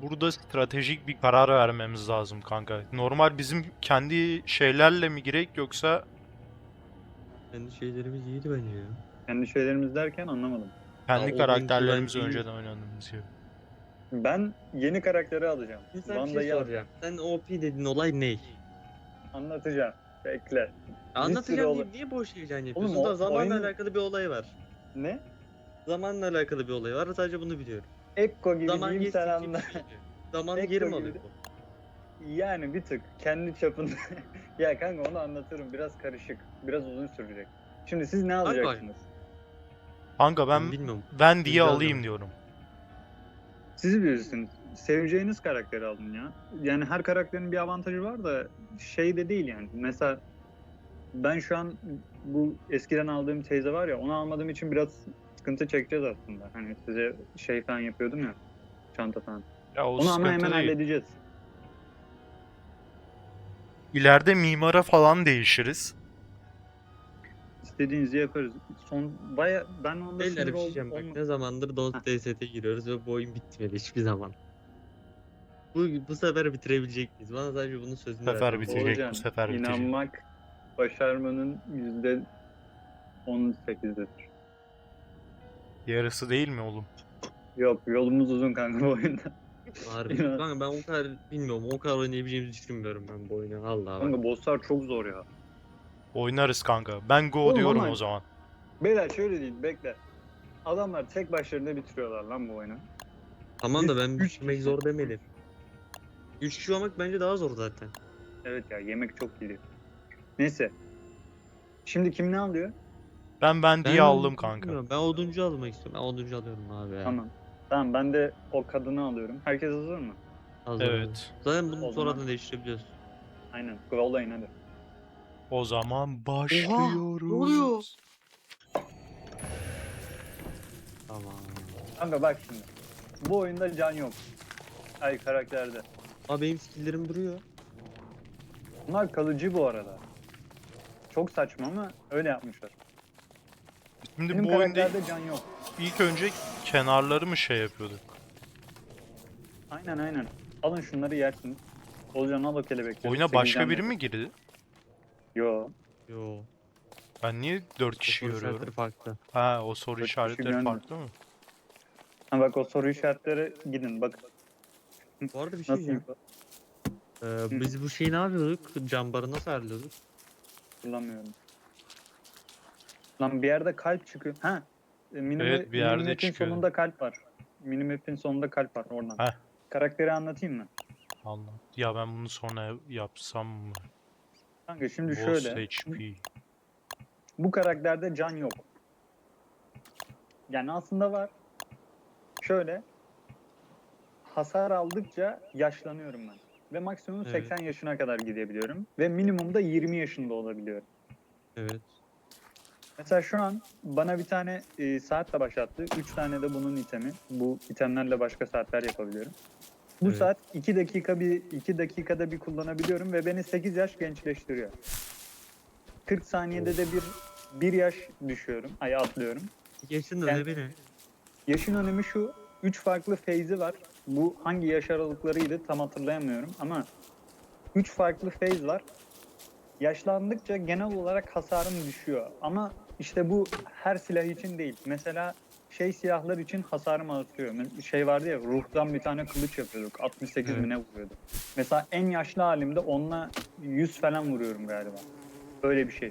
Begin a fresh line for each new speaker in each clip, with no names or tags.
burada stratejik bir karar vermemiz lazım kanka. Normal bizim kendi şeylerle mi girek yoksa
Kendi şeylerimiz iyiydi bence ya.
Kendi şeylerimiz derken anlamadım.
kendi
o günkü
karakterlerimizi
bence iyi.
önceden oynadığımız gibi.
Ben yeni karakteri alacağım.
Şimdi sana bir şey
Vanda'yı
soracağım. Sen OP dediğin olay ne?
anlatacağım. Bekle.
Anlatacağım
olay-
deyip niye boş heyecan
Oğlum,
yapıyorsun?
o
Da zamanla
oyunun-
alakalı bir olay var.
Ne?
Zamanla alakalı bir olay var. Sadece bunu biliyorum.
Ekko gibi
Zaman
diyeyim sen
geçtikçe
anla.
bir şey oluyor. Zamanı
Ekko
geri mi
gibi
alıyor
de-
bu?
Yani bir tık kendi çapında. Ya kanka onu anlatırım. Biraz karışık. Biraz uzun sürecek. Şimdi siz ne alacaksınız?
Kanka
Ben
ben
bilmiyorum.
ben diye
Güzel
alayım
demek.
diyorum.
Siz bilirsiniz. Seveceğiniz karakteri alın ya. Yani her karakterin bir avantajı var da şey de değil yani. Mesela ben şu an bu eskiden aldığım teyze var ya onu almadığım için biraz sıkıntı çekeceğiz aslında. Hani size şey falan yapıyordum ya. Çanta falan.
Ya o
Onu ama hemen
sıkıntı değil.
halledeceğiz.
İleride mimara falan değişiriz.
İstediğinizi yaparız. Ben onda
Beyler
sinir
bir şey diyeceğim bak. Ne zamandır Don't DS'te giriyoruz ve bu oyun bitmedi hiçbir zaman. Bu sefer bitirebilecek miyiz? Bana sadece bunun sözünü
Bu sefer
ver.
bitecek,
Oğulcan,
bu sefer bitecek.
inanmak başarmanın %18'idir.
Yarısı değil mi oğlum?
Yok, yolumuz uzun kanka bu oyunda.
Harbi.
İnan.
Kanka ben o kadar bilmiyorum. O kadar oynayabileceğimizi düşünmüyorum ben bu oyunu. Vallahi bak.
Kanka bosslar çok zor ya.
Oynarız kanka. Ben go
Oğlum
diyorum
ama-
o zaman.
Beyler şöyle değil, bekle. Adamlar tek başlarına bitiriyorlar lan bu oyunu.
Tamam da
Biz
ben
üç
bitirmek
kişi-
zor demedim. 3 kişi olmak bence daha zor zaten.
Evet ya, yemek çok geliyor. Neyse. Şimdi kim ne alıyor?
Ben diye aldım kanka.
bilmiyorum. Ben oduncu almak istiyorum. Ben oduncu alıyorum abi ya.
Tamam. Tamam, ben de o kadını alıyorum. Herkes hazır mı?
Hazır
Evet.
abi. Zaten bunu
O
sonradan
zaman-
değiştirebiliyoruz.
Aynen. Yollayın hadi.
O zaman başlıyoruz.
ne oluyor? Tamam.
Kanka bak şimdi. Bu oyunda can yok. Ay, karakterde.
Abi benim skill'lerim duruyor.
Bunlar kalıcı bu arada. Çok saçma ama öyle yapmışlar.
Şimdi
Benim
bu oyunda
karakterde can yok.
ilk önce kenarları mı şey yapıyorduk?
Aynen. Alın şunları yersiniz. Olcan al o kelebekleri.
Oyuna
8
başka
can
biri
yok.
mi girdi?
Yo.
Yo.
Ben niye 4 kişi
Soru
görüyorum?
işaretleri farklı.
Ha, o soru
4 kişi
işaretleri
görmüyor.
farklı mı?
Ha bak, o soru işaretleri gidin bak.
Bu arada bir şey
Nasıl
diyeceğim. Biz bu şeyi ne yapıyorduk? Cambarı nasıl ayarlıyorduk?
kullanmıyorum. Lan bir yerde kalp çıkıyor. Ha.
Evet, bir yerde
Minimap'in
çıkıyor.
sonunda kalp var. Minimap'in sonunda kalp var oradan.
Heh.
Karakteri anlatayım mı?
Allah. Ya ben bunu sonra yapsam mı?
Kanka şimdi
Boss
şöyle.
HP.
Bu karakterde can yok. Yani aslında var. Şöyle. Hasar aldıkça yaşlanıyorum ben. Ve maksimum
Evet.
80 yaşına kadar gidebiliyorum. Ve minimumda 20 yaşında olabiliyorum.
Evet.
Mesela şu an bana bir tane saat de başlattı. 3 tane de bunun itemi. Bu itemlerle başka saatler yapabiliyorum. Bu
Evet.
saat 2 dakikada bir kullanabiliyorum ve beni 8 yaş gençleştiriyor. 40 saniyede de bir yaş düşüyorum. Ay, atlıyorum.
Yaşın
Yani-
önemi ne?
Yaşın önemi şu. 3 farklı phase'i var. Bu hangi yaş aralıklarıydı tam hatırlayamıyorum ama 3 farklı phase var. Yaşlandıkça genel olarak hasarım düşüyor. Ama işte bu her silah için değil. Mesela silahlar için hasarım artıyor. Şey vardı ya, ruhtan bir tane kılıç yapıyorduk. 68
Evet.
mi ne vuruyordu. Mesela en yaşlı halimde onunla 100 falan vuruyorum galiba. Öyle bir şey.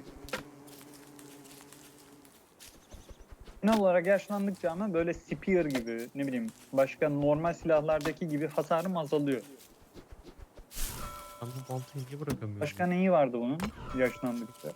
Genel olarak yaşlandıkça ama böyle spear gibi, ne bileyim, başka normal silahlardaki gibi hasarım azalıyor.
Ben bu baltayı niye bırakamıyorum?
Başka neyi vardı bunun yaşlandıkça?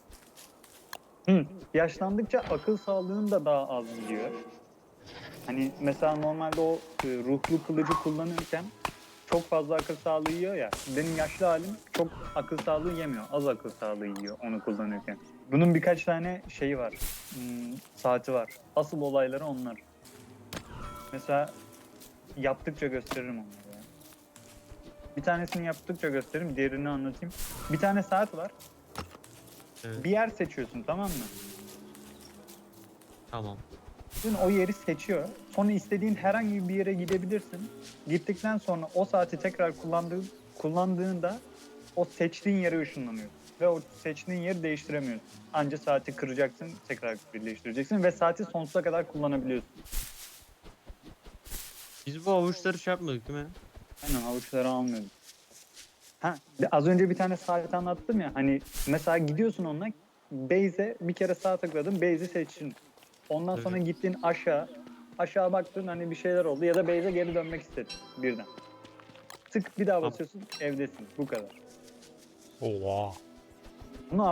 Yaşlandıkça akıl sağlığın da daha az gidiyor. Hani mesela normalde o ruhlu kılıcı kullanırken çok fazla akıl sağlığı yiyor ya. Benim yaşlı halim çok akıl sağlığı yemiyor. Az akıl sağlığı yiyor onu kullanırken. Bunun birkaç tane şeyi var. Saati var. Asıl olayları onlar. Mesela yaptıkça gösteririm onları ya. Bir tanesini yaptıkça gösteririm, diğerini anlatayım. Bir tane saat var.
Evet.
Bir yer seçiyorsun, tamam mı?
Tamam.
Dün o yeri seçiyor. Sonra istediğin herhangi bir yere gidebilirsin. Gittikten sonra o saati tekrar kullandığında o seçtiğin yere ışınlanıyorsun. Ve o seçtiğin yeri değiştiremiyorsun. Anca saati kıracaksın, tekrar birleştireceksin ve saati sonsuza kadar kullanabiliyorsun.
Biz bu avuçları şey yapmadık değil mi?
Aynen, havuçları almıyordum. Ha, az önce bir tane saat anlattım ya, hani mesela gidiyorsun onunla, base'e bir kere sağ tıkladın, base'i seçtin. Ondan sonra
Evet.
gittin aşağı baktın, hani bir şeyler oldu ya da base'e geri dönmek istedin birden. Tık bir daha
Tamam.
basıyorsun, evdesin, bu kadar.
Oha.
Bunu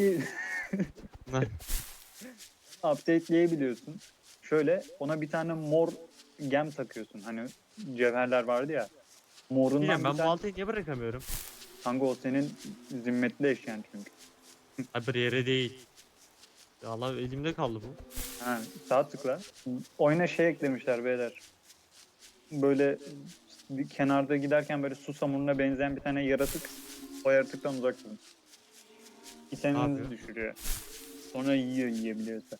updateleyebiliyorsun. Şöyle ona bir tane mor gem takıyorsun, hani cevherler vardı ya. Morundan
Bilmiyorum,
bir
ben bu
tane,
baltayı niye bırakamıyorum?
kanka o senin zimmetli eşyan çünkü.
Ha, bir yere değil. Ya Allah, elimde kaldı bu.
Ha, sağ tıkla. Oyuna şey eklemişler beyler. Böyle bir kenarda giderken böyle su samuruna benzeyen bir tane yaratık. O yaratıktan uzak durun.
Ne
İteminizi
yapıyor?
düşürüyor. Sonra yiyebiliyorsa.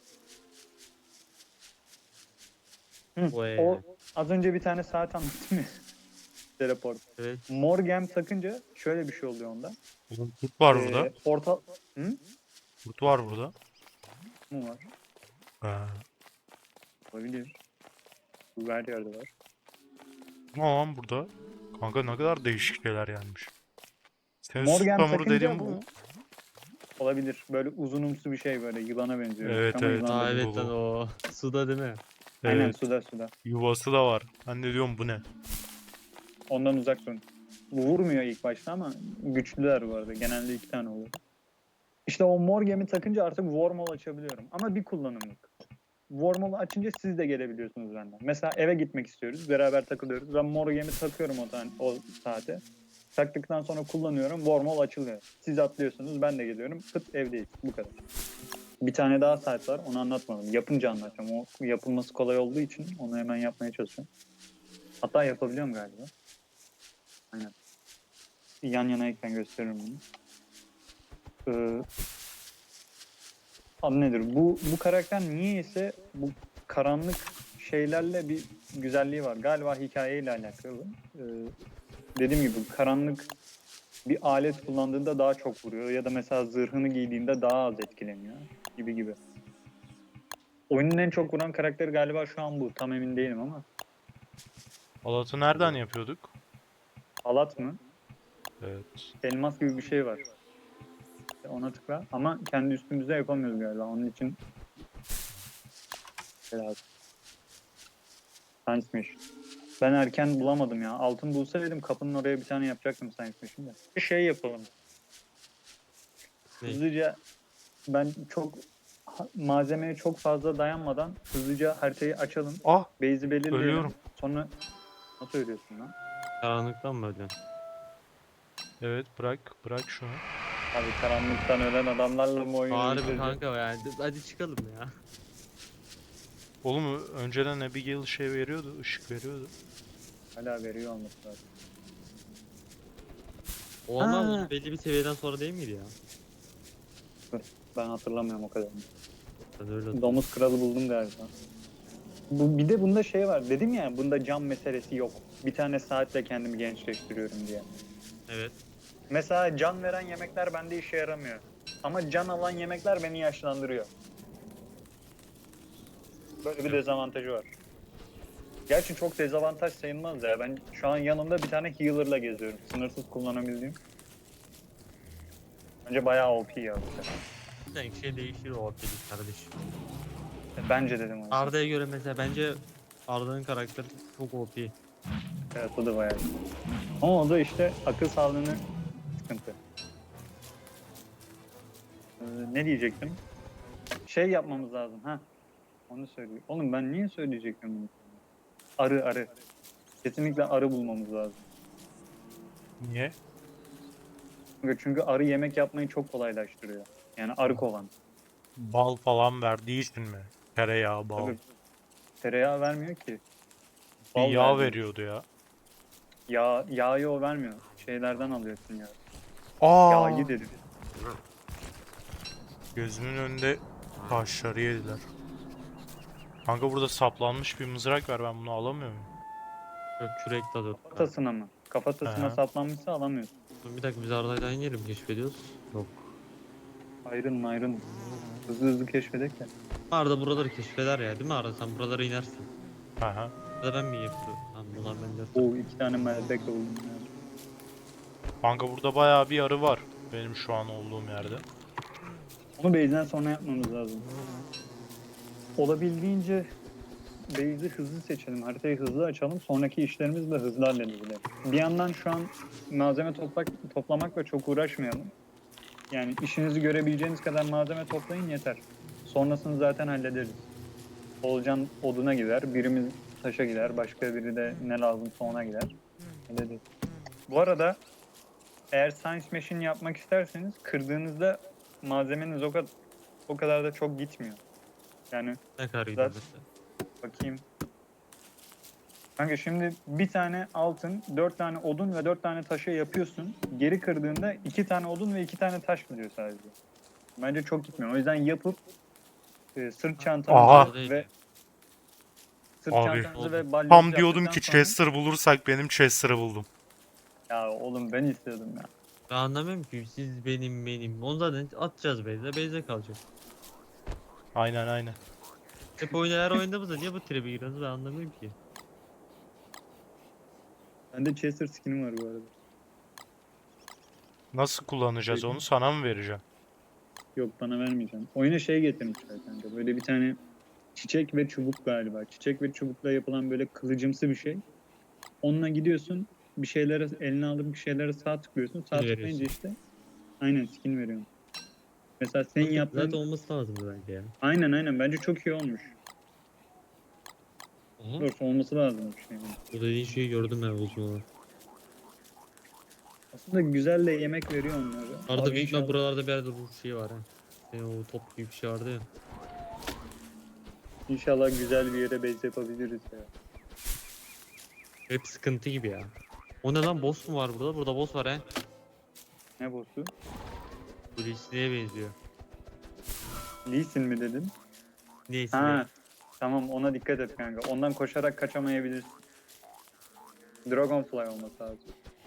Vay.
O az önce bir tane saat anlattım ya. Teleport.
Evet.
Mor gem takınca şöyle bir şey oluyor onda.
Oğlum kurt var burada.
Portal... Hı?
Kurt var burada.
Mu var?
Ha.
Olabilir. Bu her yerde var.
Ne lan burada? Kanka ne kadar değişik şeyler gelmiş. Senin
Mor
su
gem
samuru
takınca
dediğin bu
bu-
mu?
Olabilir. Böyle uzunumsu bir şey, böyle yılana benziyor.
Evet,
Ama
evet.
yılan
Aa
değil.
evet lan, o suda değil mi?
Aynen,
Evet.
suda.
Yuvası da var. Ben de diyorum bu ne?
Ondan uzak durun. Vurmuyor ilk başta ama güçlüler bu arada. Genelde 2 tane oluyor. İşte o mor gemi takınca artık wormhole açabiliyorum. Ama bir kullanımlık. Wormhole açınca siz de gelebiliyorsunuz benden. Mesela eve gitmek istiyoruz. Beraber takılıyoruz. Ben mor gemi takıyorum o saate. Taktıktan sonra kullanıyorum. Wormhole açılıyor. Siz atlıyorsunuz. Ben de geliyorum. Pıt, evdeyiz. Bu kadar. Bir tane daha saat var. Onu anlatmadım. Yapınca anlatacağım. O yapılması kolay olduğu için onu hemen yapmaya çalışıyorum. Hatta yapabiliyorum galiba. Aynen. Yan yana ekran gösteririm bunu. Adı nedir? Bu karakter niyeyse bu karanlık şeylerle bir güzelliği var. Galiba hikayeyle alakalı. Dediğim gibi karanlık bir alet kullandığında daha çok vuruyor. Ya da mesela zırhını giydiğinde daha az etkileniyor. Gibi. Oyunun en çok vuran karakteri galiba şu an bu. Tam emin değilim ama.
Halatı nereden yapıyorduk?
Halat mı?
Evet.
Elmas gibi bir şey var. Ona tıkla. Ama kendi üstümüzde yapamıyoruz galiba. Onun için lazım. Science Mission. Ben erken bulamadım ya. Altın bulsaydım kapının oraya bir tane yapacaktım Science Mission'da. Bir şey yapalım.
Ne?
Hızlıca ben malzemeye çok fazla dayanmadan hızlıca haritayı açalım.
Ah!
Base'i belirleyelim.
Ölüyorum.
Sonra nasıl ölüyorsun lan?
Karanlıktan mı öldün?
Evet, bırak şunu.
Abi karanlıktan ölen adamlarla mı oyunu
Harbi
bitireceğiz?
kanka yani. Hadi çıkalım ya.
Oğlum önceden Abigail şey veriyordu, ışık veriyordu.
Hala veriyor olması lazım.
O ama
Ha.
belli bir seviyeden sonra değil miydi ya?
Ben hatırlamıyorum o kadar.
Ben öyle hatırlıyorum.
Domuz kralı buldum galiba. Bir de bunda şey var. Dedim ya, bunda cam meselesi yok. Bir tane saatle kendimi gençleştiriyorum diye.
Evet.
Mesela can veren yemekler bende işe yaramıyor. Ama can alan yemekler beni yaşlandırıyor. Böyle bir dezavantajı var. Gerçi çok dezavantaj sayılmaz ya. Ben şu an yanımda bir tane healer'la geziyorum. Sınırsız kullanabildiğim. Bence bayağı OP ya.
Sanki şey değişir o dedik kardeşim.
Bence dedim onu.
Arda'ya göre mesela bence Arda'nın karakteri çok OP.
Evet, o da bayağı iyi. Ama o da işte akıl sağlığını sıkıntı. Ne diyecektim? Şey yapmamız lazım ha. Onu söylüyor. Oğlum ben niye söyleyecektim bunu? Arı. Kesinlikle arı bulmamız lazım.
Niye?
Çünkü arı yemek yapmayı çok kolaylaştırıyor. Yani arı kovan.
Bal falan verdiği için mi? Tereyağı, bal.
Tabii tereyağı vermiyor ki.
Bir
Bal
yağ
vermiyor.
veriyordu ya.
Yağı o vermiyor. Şeylerden alıyorsun ya.
Aa!
Yağı dedim.
Gözümün önünde taşları yediler. Kanka burada saplanmış bir mızrak var, ben bunu alamıyor muyum?
Yok, kürek tadı.
Kafatasına mı? Kafatasına
Aha.
saplanmışsa alamıyorsun.
Bir dakika, biz Arda'yla aynı yeri mi keşfediyoruz? Yok.
Ayrılın. Hızlı keşfedek ya.
Arda buraları keşfeder ya, değil mi Arda? Sen buralara inersin.
Aha.
Ya da ben mi yapıyorum? Tamam, bunlar bende.
Oo 2 tane meldek buldum ya.
Kanka burada bayağı bir arı var benim şu an olduğum yerde.
Onu base'den sonra yapmamız lazım. Olabildiğince base'i hızlı seçelim. Haritayı hızlı açalım. Sonraki işlerimizi de hızlı halledelim. Bir yandan şu an malzeme toplamakla çok uğraşmayalım. Yani işinizi görebileceğiniz kadar malzeme toplayın yeter. Sonrasını zaten hallederiz. Olcan oduna gider, birimiz taşa gider, başka biri de ne lazımsa ona gider. Hallederiz. Bu arada eğer Science Machine yapmak isterseniz kırdığınızda malzemeniz o kadar da çok gitmiyor. Yani
Ne kadar gidiyor
Zaten-
mesela?
bakayım. Kanka şimdi bir tane altın, 4 tane odun ve 4 tane taşı yapıyorsun. Geri kırdığında 2 tane odun ve 2 tane taş gidiyor sadece. Bence çok gitmiyor. O yüzden yapıp sırt çantanızı
Aha.
ve sırt
Abi.
çantanızı ve balyası
Tam diyordum
yaptıktan
ki
sonra-
Chester bulursak benim Chester'ı buldum.
Ya oğlum ben istiyordum ya.
Ben anlamıyorum ki, siz benim. Onu zaten atacağız base'e kalacak.
Aynen.
Hep her oyunda niye bu tribe giriyorsunuz, ben anlamıyorum ki.
Bende Chester skinim var bu arada.
Nasıl kullanacağız onu, sana mı vereceğim?
Yok bana vermeyeceğim. Oyuna şey getirmişler kanka. Böyle bir tane çiçek ve çubuk galiba. Çiçek ve çubukla yapılan böyle kılıcımsı bir şey. Onunla gidiyorsun. Bir şeylere eline alıp bir şeylere sağ tıklıyorsun. Sağ
Skin
tıklayınca
veriyorsun.
işte aynen skin veriyorum. Mesela senin yaptığın
Zaten olması lazımdı bence ya.
aynen bence çok iyi olmuş.
Aha.
Doğrusu olması lazım bir şey.
Bu dediğin şeyi gördüm ben uzun olarak.
Aslında güzel de yemek veriyor onlara.
Arada
Abi
büyük ihtimal
inşallah-
buralarda bir yerde ruh şeyi var ha. O top gibi bir şey vardı ya.
İnşallah güzel bir yere base yapabiliriz ya.
Hep sıkıntı gibi ya. O ne lan, boss mu var burada? Burada boss var he.
Ne boss'u?
Bu Lee'ye benziyor.
Lee Sin mi dedin?
Neyse.
Ha. Tamam ona dikkat et kanka. Ondan koşarak kaçamayabilirsin. Dragonfly olması lazım.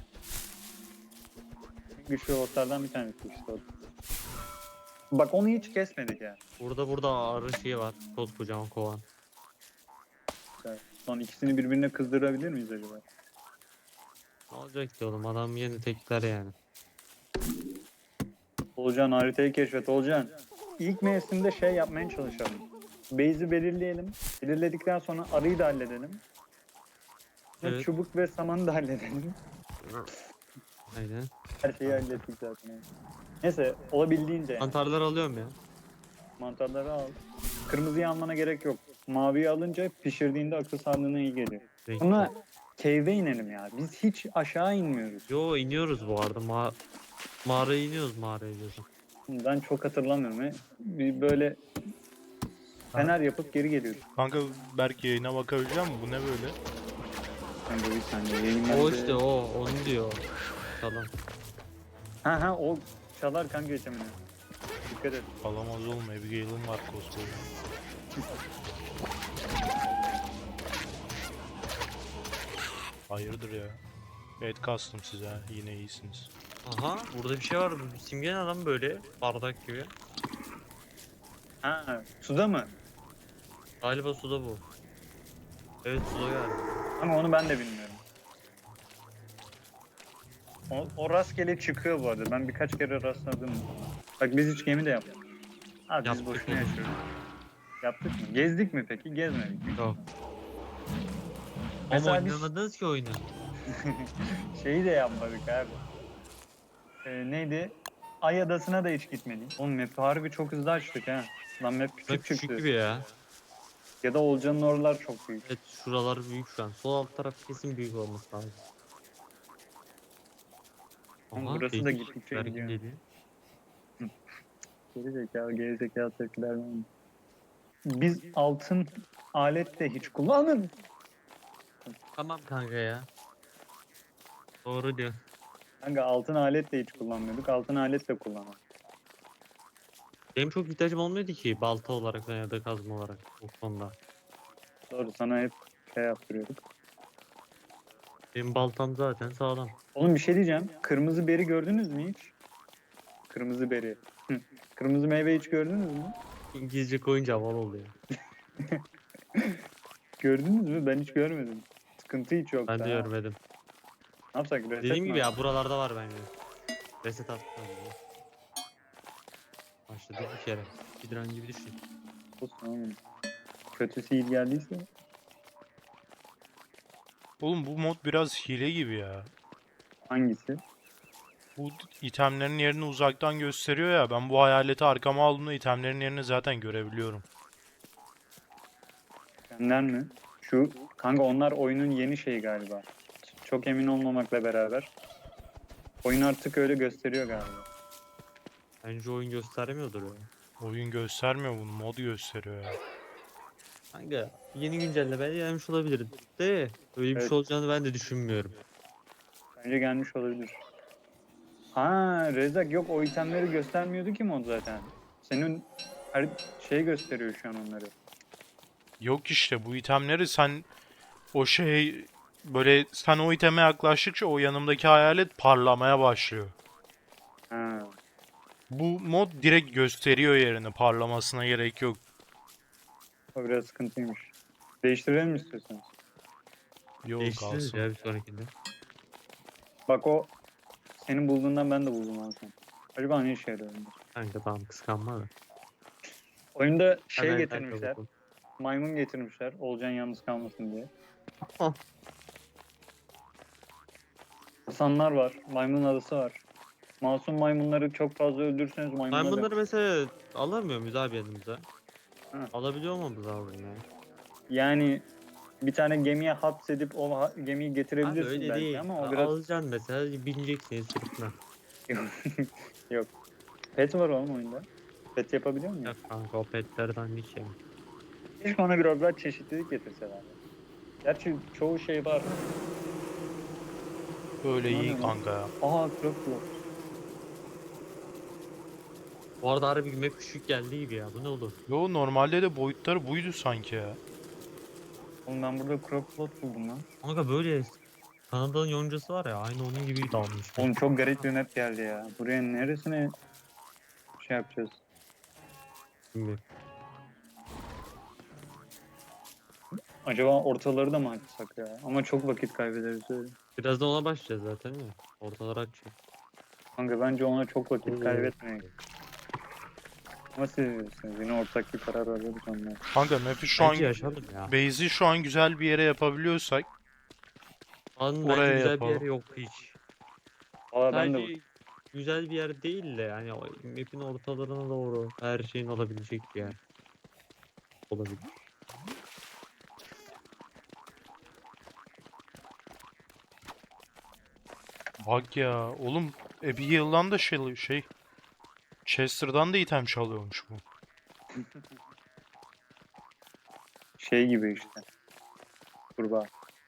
Güçlü bosslardan bir tanesi işte o. Bak onu hiç kesmedik ya.
Burada arı şeyi var. Koskocaman kovan.
Son ikisini birbirine kızdırabilir miyiz acaba?
Ne olacak ki oğlum, adam yeni tekler yani.
Olcan haritayı keşfet Olcan. İlk mevsimde şey yapmaya çalışalım. Base'i belirleyelim. Belirledikten sonra arıyı da halledelim. Sonra
Evet.
çubuk ve samanı da halledelim.
Aynen.
Her şeyi hallettik zaten. yani. Neyse olabildiğince yani.
Mantarlar alıyorum ya.
Mantarları al. Kırmızıyı almana gerek yok. Maviyi alınca pişirdiğinde akıl sağlığına iyi geliyor.
Renkli.
Ama cave'e inelim ya. Biz hiç aşağı inmiyoruz.
Yo, iniyoruz bu arada. Mağaraya iniyoruz, mağaraya diyorsun.
Ben çok hatırlamıyorum. Bir böyle fener yapıp geri geliyoruz.
Kanka belki yayına bakabileceğim mi? Bu ne böyle?
Kanka bir saniye yayınlandı.
O işte onu diyor. Tamam.
Ha o çalar kanka geçemini. Dikkat et.
Alamaz oğlum, Abigail'im var koskoca. Hayırdır ya? Evet kastım size ha, yine iyisiniz.
Aha, burada bir şey var. Bu simgen adam böyle bardak gibi.
Ha suda mı?
Galiba suda bu. Evet, suda galiba.
Ama onu ben de bilmiyorum. O rastgele çıkıyor bu arada. Ben birkaç kere rastladım. Bak biz hiç gemi de yaptık. Abi biz
Yaptık
boşuna
oğlum.
yaşıyoruz. Yaptık mı? Gezdik mi peki? Gezmedik mi?
Yok.
Mesela
Ama
biz-
oynamadınız ki oyunu.
Şeyi de yapmadık abi. Neydi? Ay Adası'na da hiç gitmedik. Oğlum map'i harbi çok hızlı açtık ha. Lan map küçük
Bak, küçük
çıktı.
gibi ya.
Ya da Olcan'ın oralar çok büyük.
Evet, şuralar büyük şu an. Sol alt taraf kesin büyük olması lazım.
Ama burası da
değişik
gittikçe
şeyler
gidiyor.
geliyor.
Geri zekalı tepkiler vermiyor. Biz altın alet de hiç kullanmadık.
Tamam kanka ya. Doğru diyor.
Kanka altın alet de hiç kullanmıyorduk. Altın alet de kullanmadık.
Benim çok ihtiyacım olmuyordu ki balta olarak ya da kazma olarak bu konuda.
Doğru, sana hep şey yaptırıyorduk.
Benim baltam zaten sağlam.
Oğlum bir şey diyeceğim. Kırmızı beri gördünüz mü hiç? Kırmızı beri. Hı. Kırmızı meyve hiç gördünüz mü?
İngilizce koyunca havalı oluyor.
Gördünüz mü? Ben hiç görmedim. Sıkıntı hiç yok
Ben de
daha.
görmedim.
Ne yapsak? Reset
Dediğim
mi
gibi ya
yapsak?
buralarda var bence. Reset attım. Başladık bir kere. Speedrun gibi düşün.
Olsun oğlum. Kötüsü iyi geldiyse.
Oğlum bu mod biraz hile gibi ya.
Hangisi?
Bu itemlerin yerini uzaktan gösteriyor ya. Ben bu hayaleti arkama aldığımda itemlerin yerini zaten görebiliyorum.
Senden mi? Şu kanka onlar oyunun yeni şeyi galiba. Çok emin olmamakla beraber. Oyun artık öyle gösteriyor galiba.
Bence oyun göstermiyordur ya.
Oyun göstermiyor bunu, mod gösteriyor ya.
Kanka yeni güncelleme gelmiş olabilir. De öyle bir
Evet.
şey olacağını ben de düşünmüyorum.
Bence gelmiş olabilir. Ha Rezak yok, o itemleri göstermiyordu ki mod zaten. Senin her şey gösteriyor şu an onları.
Yok işte bu itemleri sen o şey böyle sen o iteme yaklaştıkça o yanımdaki hayalet parlamaya başlıyor.
Ha.
Bu mod direkt gösteriyor yerini, parlamasına gerek yok.
O biraz sıkıntıymış. Değiştirelim mi istiyorsanız?
Yok
Değiştiririz
kalsın.
ya bir sonrakinde.
Bak o senin bulduğundan ben de buldum aslında. Acaba ne işe yarıyor bunlar?
Kanka tamam kıskanma da.
Oyunda şey
Hemen
getirmişler.
kanka bakalım.
Maymun getirmişler. Olcan yalnız kalmasın diye.
Ah.
Hasanlar var. Maymun adası var. Masum maymunları çok fazla öldürürseniz maymunlar
Ben bunları mesela alamıyor muyuz abi yanımıza?
Ha.
Alabiliyor olmamız lazım ya.
Yani bir tane gemiye hapsedip o gemiyi
Abi
getirebilirsin
öyle
belki
değil.
ama o biraz
Alacaksın mesela bineceksin sırtına.
yok. Pet var oğlum oyunda. Pet yapabiliyor muyum?
Yok kanka o petlerden hiç şey.
Keşke ona biraz daha çeşitlilik getirseler. Gerçi çoğu şey var.
Böyle
Ne
iyi
oluyor lan?
kanka ya.
Aha Crocodile.
Bu arada harbi map küçük geldi gibi ya. Bu ne olur?
Yo normalde de boyutları buydu sanki ya.
Oğlum ben burada Crocodile buldum lan.
Kanka böyle Kanada'nın yoncası var ya aynı onun gibi dalmış.
Oğlum çok garip bir map geldi ya. Buraya neresine şey yapacağız?
Şimdi.
Acaba ortaları da mı açsak ya? Ama çok vakit kaybederiz öyle.
Birazdan ona başlayacağız zaten ya. Ortalar açacak.
Kanka bence ona çok vakit
Oo.
kaybetmeyin. Ama siz bilirsiniz. Yine ortak bir karar alırız onlar.
Kanka map'i şu an
Bence yaşadım ya.
base'i şu an güzel bir yere yapabiliyorsak
An
oraya
bence güzel bir
yapalım.
yer yok hiç.
Valla ben de
Sadece güzel bir yer değil de yani map'in ortalarına doğru her şeyin olabilecek bir yer. Olabilir.
Bak ya oğlum Abigail'dan da şey Chester'dan da item çalıyormuş bu.
şey gibi işte. Kurbağa.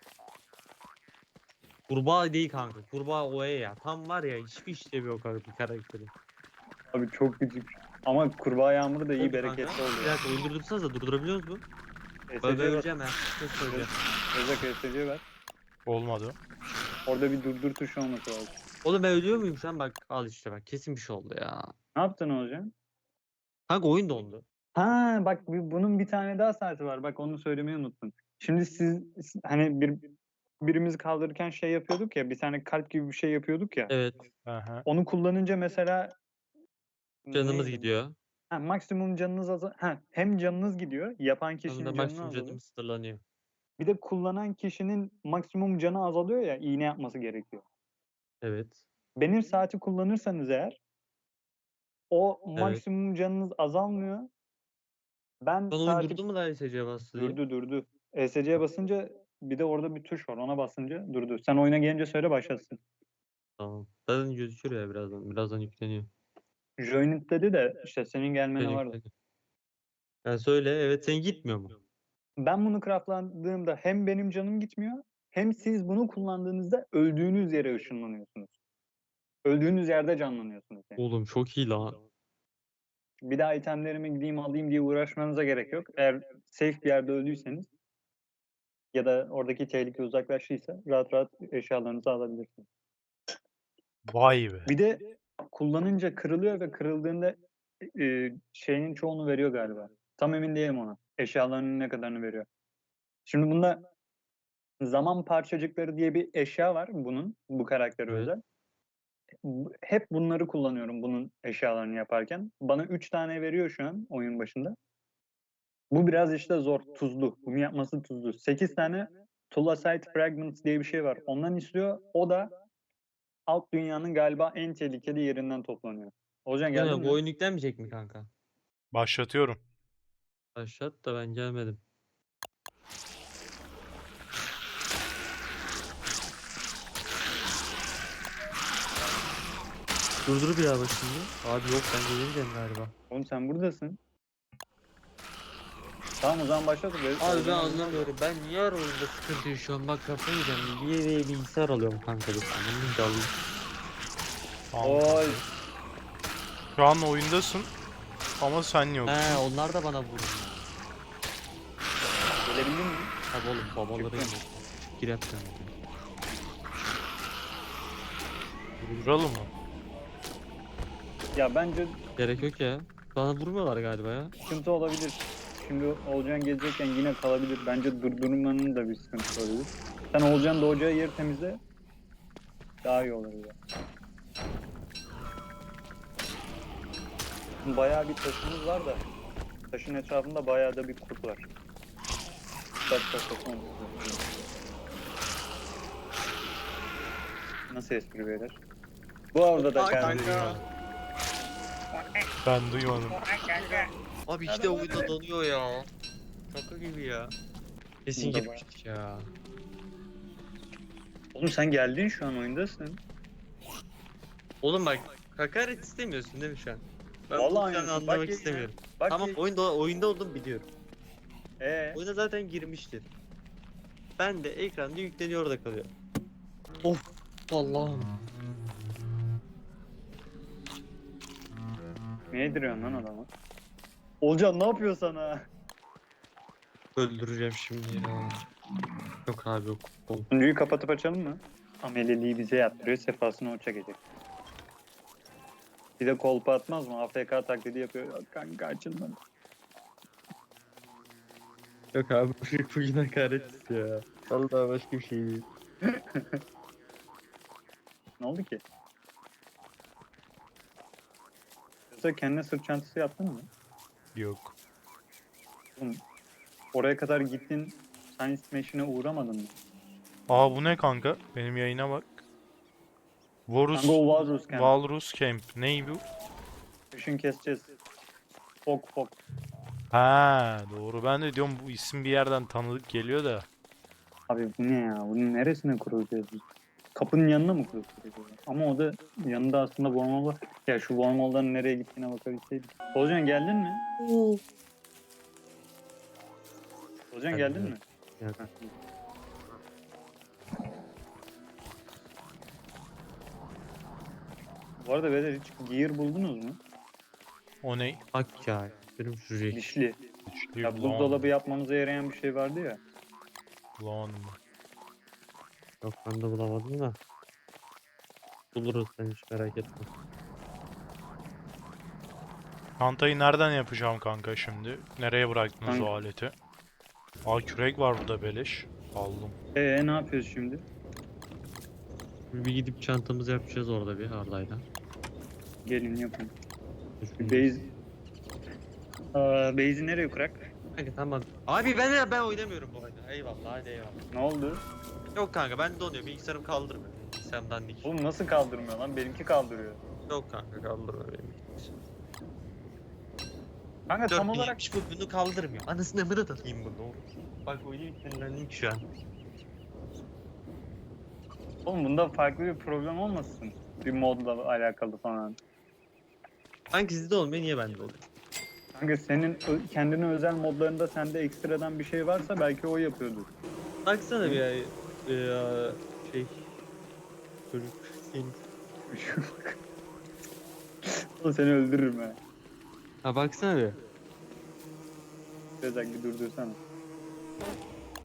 Kurbağa değil kanka. Kurbağa o ya. Tam var ya hiçbir işlevi yok abi bir karakteri.
Abi çok küçük. Ama kurbağa yağmuru da iyi
Oldu
bereketli
kanka. Bir
oluyor.
dakika öldürdürsanız da durdurabiliyoruz mu? Ben
SC var.
öleceğim ha. Çok söyleyeceğim.
Rezak SC var.
Olmadı.
Orada bir durdur tuşu olması lazım.
Oğlum ben ölüyor muyum şu an? Bak al işte bak. Kesin bir şey oldu ya.
Ne yaptın hocam?
Kanka oyun dondu.
Ha bak bunun bir tane daha saati var. Bak onu söylemeyi unuttum. Şimdi hani birimizi kaldırırken şey yapıyorduk ya, bir tane kalp gibi bir şey yapıyorduk ya.
Evet.
Aha.
Onu kullanınca mesela
Canımız
neydi?
gidiyor.
Ha, maksimum canınız hem canınız gidiyor, yapan
Hem
kişinin
de
canı
maksimum
azalıyor.
canım sınırlanıyor.
Bir de kullanan kişinin maksimum canı azalıyor ya, iğne yapması gerekiyor.
Evet.
Benim saati kullanırsanız eğer o
Evet.
maksimum canınız azalmıyor. Ben
Son oyun
saati
durdu mu da ESC bastı diye?
durdu. ESC'ye basınca bir de orada bir tuş var. Ona basınca durdu. Sen oyuna gelince söyle başlasın.
Tamam. Zaten gözükür ya birazdan. Birazdan yükleniyor.
Join it dedi de işte senin gelmene
Yükleniyor,
vardı.
yükleniyor. Yani söyle. Evet sen gitmiyor mu?
Ben bunu craftlandığımda hem benim canım gitmiyor hem siz bunu kullandığınızda öldüğünüz yere ışınlanıyorsunuz. Öldüğünüz yerde canlanıyorsunuz yani.
Oğlum çok iyi lan.
Bir daha itemlerimi gideyim alayım diye uğraşmanıza gerek yok. Eğer safe bir yerde öldüyseniz ya da oradaki tehlike uzaklaştıysa rahat rahat eşyalarınızı alabilirsiniz.
Vay be.
Bir de kullanınca kırılıyor ve kırıldığında şeyin çoğunu veriyor galiba. Tam emin değilim ona. Eşyalarının ne kadarını veriyor. Şimdi bunda zaman parçacıkları diye bir eşya var bunun. Bu karaktere
Evet.
özel. Hep bunları kullanıyorum bunun eşyalarını yaparken. Bana 3 tane veriyor şu an oyun başında. Bu biraz işte zor, tuzlu. Bunu yapması tuzlu. 8 tane Tulasite Fragments diye bir şey var. Ondan istiyor. O da alt dünyanın galiba en tehlikeli yerinden toplanıyor. Olcan
Bu
geldin
ne?
mi?
Bu oyun yüklenmeyecek mi kanka?
Başlatıyorum.
Başlat da ben gelmedim. Durdur bir daha bakayım ya. Abi yok ben gelemeyeceğim galiba.
Oğlum sen buradasın. Tamam o zaman başlat.
Abi ben anlamıyorum. Ben niye her oyunda sıkıntı yaşıyorum? Bak kafayı yiyeceğim. Bir yere bilgisayar alıyorum kanka. Bir tane. Bir de alayım.
Tamam.
Oy.
Şu an oyundasın ama sen yok.
He onlar da bana vurdu.
Gelebildin mi?
Tabi oğlum babaları
Çıktım.
yok. Girep sen.
Duralım mı?
Ya bence
Gerek yok ya. Bana vurmuyorlar galiba ya.
sıkıntı olabilir. Şimdi Olcan gelecekken yine kalabilir. Bence durdurmanın da bir sıkıntısı olabilir. Sen Olcan doğacağı yeri temizle. Daha iyi olur ya. Bayağı bir taşımız var da taşın etrafında bayağı da bir kurt var. Taş olmuş. Nasıl espri beyler? Bu arada da kendini
Ben duymadım.
Abi işte oyunda donuyor ya. Şaka gibi ya. Kesin
Bunda
girmiştik ya.
Oğlum sen geldin şu an oyundasın.
Oğlum bak hakaret istemiyorsun değil mi şu an? Ben
Vallahi
bunu şu an
aynısın. Bak
anlamak
ya.
istemiyorum.
Bak
Tamam oyunda oldum biliyorum. Oyuna zaten girmiştir. Ben de ekranda yükleniyor orada kalıyor. Of Allah'ım.
ne yediriyorsun lan adamı? Olcan ne yapıyor sana?
Öldüreceğim şimdi ya. Yok abi yok. Oğlum.
Sunucuyu kapatıp açalım mı? Ameliliği bize yaptırıyor, sefasını o çekecek. Bir de kolpa atmaz mı? AFK taklidi yapıyor. Yok kanka açılmadı.
Yok abi bugün hakaret ya. Vallahi başka bir şey değil.
Ne oldu ki? Yoksa kendine sırt çantası yaptın mı?
Yok.
Oğlum, oraya kadar gittin, Science Machine'e uğramadın mı?
Aa bu ne kanka? Benim yayına bak. Varus
Kanka o Walrus Camp.
Walrus Camp. Ney bu?
Kışın keseceğiz. Fok.
Ha doğru. Ben de diyorum bu isim bir yerden tanıdık geliyor da.
Abi bu ne ya? Bunun neresine kurulacağız biz? Kapının yanına mı kurulacağız? Ama o da yanında aslında wormhole var. Ya şu wormhole'dan nereye gittiğine bakabilseydik. Olcan geldin mi? Olcan geldin mi?
Yok.
Heh. Bu arada beyler hiç gear buldunuz mu?
O ne?
Bak ya. Benim şu renk.
Dişli.
Güçlü
Ya buzdolabı yapmamıza yarayan bir şey vardı ya.
Bulamadım ben.
Yok ben de bulamadım da. Buluruz sen hiç merak etme.
Çantayı nereden yapacağım kanka şimdi? Nereye bıraktınız
Kanka.
o aleti? Aa kürek var burada beleş. Aldım.
Ne yapıyoruz şimdi?
Bir gidip çantamızı yapacağız orada bir Arda'yla.
Gelin yapın. Bir base... Base'i nereye kurak?
Kanka tamam. Abi ben oynamıyorum bu oyunu. Eyvallah hadi eyvallah.
Ne oldu?
Yok kanka ben donuyor. Bilgisayarım kaldırmıyor. Bilgisayarım dandik.
Oğlum nasıl kaldırmıyor lan? Benimki kaldırıyor.
Yok kanka kaldırmıyor benim bilgisayarım.
Kanka tam olarak
4070 bu bunu kaldırmıyor. Anasını amına takayım bunu. Bak oyunu yüklendik şu an.
oğlum bunda farklı bir problem olmasın? Bir modla alakalı falan.
Kanka sizde olmuyor niye bende oluyor?
Kanka senin kendine özel modlarında sende ekstradan bir şey varsa belki o yapıyordur.
Baksana bir ay şey çocuk senin.
Oğlum seni öldürürüm ha.
Ha baksana bir.
Biraz bir durdursana.